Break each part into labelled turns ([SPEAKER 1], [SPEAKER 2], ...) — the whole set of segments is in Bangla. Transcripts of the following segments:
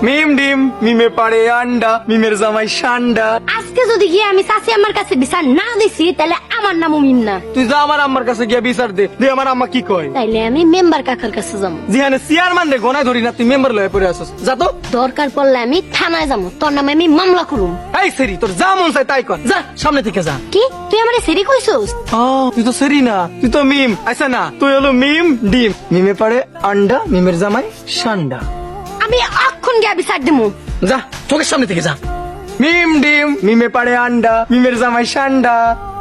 [SPEAKER 1] মিম ডিম মিমে পাড়ে আন্ডা মিমের জামাই সান্ডা।
[SPEAKER 2] আজকে যদি গিয়ে আমি চাচি আমার কাছে বিচার না দিছি তাহলে আমার নামও মিম না।
[SPEAKER 1] তুই যা আমার আম্মার কাছে গিয়া বিচার দে আমার আম্মা কি কয়।
[SPEAKER 2] তাইলে আমি মেম্বার কাকার কাছে যাবো।
[SPEAKER 1] যেখানে চেয়ারম্যান রে গনায় ধরি না তুই মেম্বার লয়ে পড়ে আসছ। যা তো।
[SPEAKER 2] দরকার পড়লে আমি থানায় যাবো, তোর নামে আমি মামলা করুম।
[SPEAKER 1] এই সেরি তোর যা মন চাই তাই কর, যা সামনে থেকে যা।
[SPEAKER 2] কি তুই আমারে সেরি কইছস?
[SPEAKER 1] তুই তো সেরি না, তুই তো মিম। আচ্ছা না, তুই হলো মিম ডিম মিমে পাড়ে আন্ডা মিমের জামাই সান্ডা।
[SPEAKER 2] আমি অক্ষণ গিয়ে বিচার দিমু।
[SPEAKER 1] যা চোখের সামনে থেকে যা। মিম ডিম মিমে পাড়ে আন্ডা মিমের জামাই সান্ডা।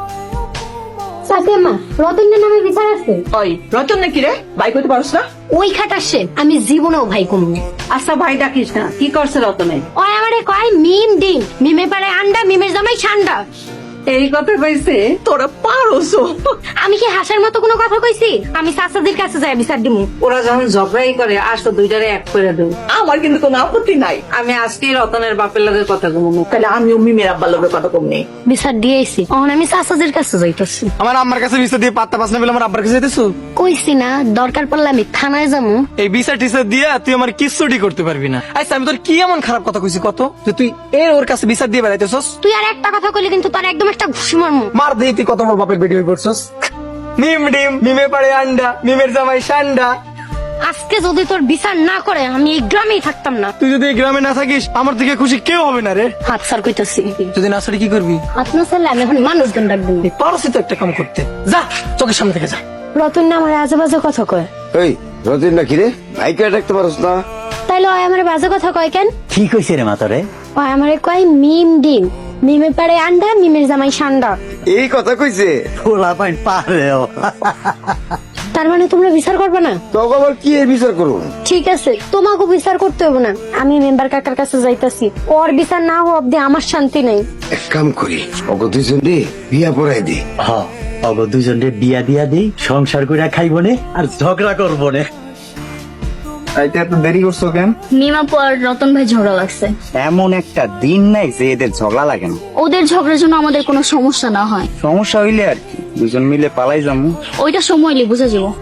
[SPEAKER 2] চাচি আম্মা, রতনের নামে বিচার আছে?
[SPEAKER 3] ওই রতন নাকি রে? ভাই কইতে পারছ না?
[SPEAKER 2] ওই খাটাসে আমি জীবনেও ভাই কমু।
[SPEAKER 3] আচ্ছা ভাই ডাকিস না, কি করছে রতনে?
[SPEAKER 2] ওই আমারে কয় মিম ডিম মিমে পারে আন্ডা মিমের জামাই ঠান্ডা।
[SPEAKER 3] এই কথা কইছে? তোরা পারোস।
[SPEAKER 2] আমি কি হাসার মতো কোনো কথা কইছি? আমি চাচাদের কাছে যাই বিচার দিমু।
[SPEAKER 3] ওরা যখন ঝগড়াই করে আসো দুইটারে এক করে দেব। আমার কিন্তু কোনো আপত্তি নাই। আমি আজকে রতনের বাপের লগে কথা কমু, তাহলে আমিও মিমের আব্বার লগে কথা কমনি।
[SPEAKER 2] বিচার দিয়েছি, এখন আমি চাচাদের কাছে যাইতেছি।
[SPEAKER 1] আমার আম্মার কাছে বিচার দিয়ে পাত্তা পাস না বলে আমার আব্বার কাছে যেতেছো।
[SPEAKER 2] কইছি না দরকার পড়লে আমি থানায় যাবো।
[SPEAKER 1] এই বিচার টিচার দিয়া তুই আমার কিচ্ছুটি করতে পারবি না। আচ্ছা আমি তোর কি এমন খারাপ কথা কইছি কত যে তুই ওর কাছে বিচার দিয়ে বেড়াইতেছস?
[SPEAKER 2] তুই আর একটা কথা কইলে কিন্তু তোর একদম একটা ঘুষি মারমু।
[SPEAKER 1] মার দেই তুই কত বড় বাপের বেটি হয়ে পড়ছস। মিম ডিম মিমে পাড়ে আন্ডা মিমের জামাই সান্ডা।
[SPEAKER 2] আজকে যদি তোর বিচার না করে আমি এই গ্রামেই থাকতাম না।
[SPEAKER 1] তুই যদি এই গ্রামে না থাকিস আমার থেকে খুশি কেউ হবে না রে।
[SPEAKER 2] হাত সার কইতাছি।
[SPEAKER 1] যদি না সরি কি করবি?
[SPEAKER 2] হাত না সারলে আমি এখন মানুষজন ডাকবো।
[SPEAKER 1] পারছি তো একটা কাম করতে। যা চোখের সামনে থেকে যা।
[SPEAKER 2] রতন না আমার আজে বাজে কথা কয়।
[SPEAKER 4] এই রতিন নাকি রে? ভাইকে ডাকতে পারস না?
[SPEAKER 2] তাইলে ওই আমার বাজে কথা কয় কেন?
[SPEAKER 5] কি কইছে রে মাতারে?
[SPEAKER 2] ওই আমারে কয় মিম ডিম মিমে পারে আন্ডা মিমের জামাই সান্ডা।
[SPEAKER 4] এই কথা কইছে?
[SPEAKER 5] পোলা পাইন পারেও।
[SPEAKER 2] তার মানে তোমরা বিচার করবে না?
[SPEAKER 4] তোকে আবার কি এর বিচার করবো?
[SPEAKER 2] ঠিক আছে, তোমাকে বিচার করতে হবে না। আমি মেম্বার কাকার কাছে যাইতাছি। ওর বিচার না হওয়া অব্দি আমার শান্তি নাই।
[SPEAKER 4] এক কাম করি, ওকে দুইজন রে বিয়া পড়াই দে।
[SPEAKER 5] হ অগ দুজনে বিয়া দিয়া দেই, সংসার কইরা খাইব নে আর ঝগড়া করবো নে।
[SPEAKER 1] আইতে এত দেরি করছো কেন?
[SPEAKER 6] মিমা পর রতন ভাই ঝগড়া লাগছে।
[SPEAKER 7] এমন একটা দিন নাই যে এদের ঝগড়া লাগে না।
[SPEAKER 6] ওদের ঝগড়ার জন্য আমাদের কোনো সমস্যা না হয়।
[SPEAKER 7] সমস্যা হইলে আর কি দুজন মিলে পালাই যাবো।
[SPEAKER 6] ওইটা সময় বুঝা যাবো।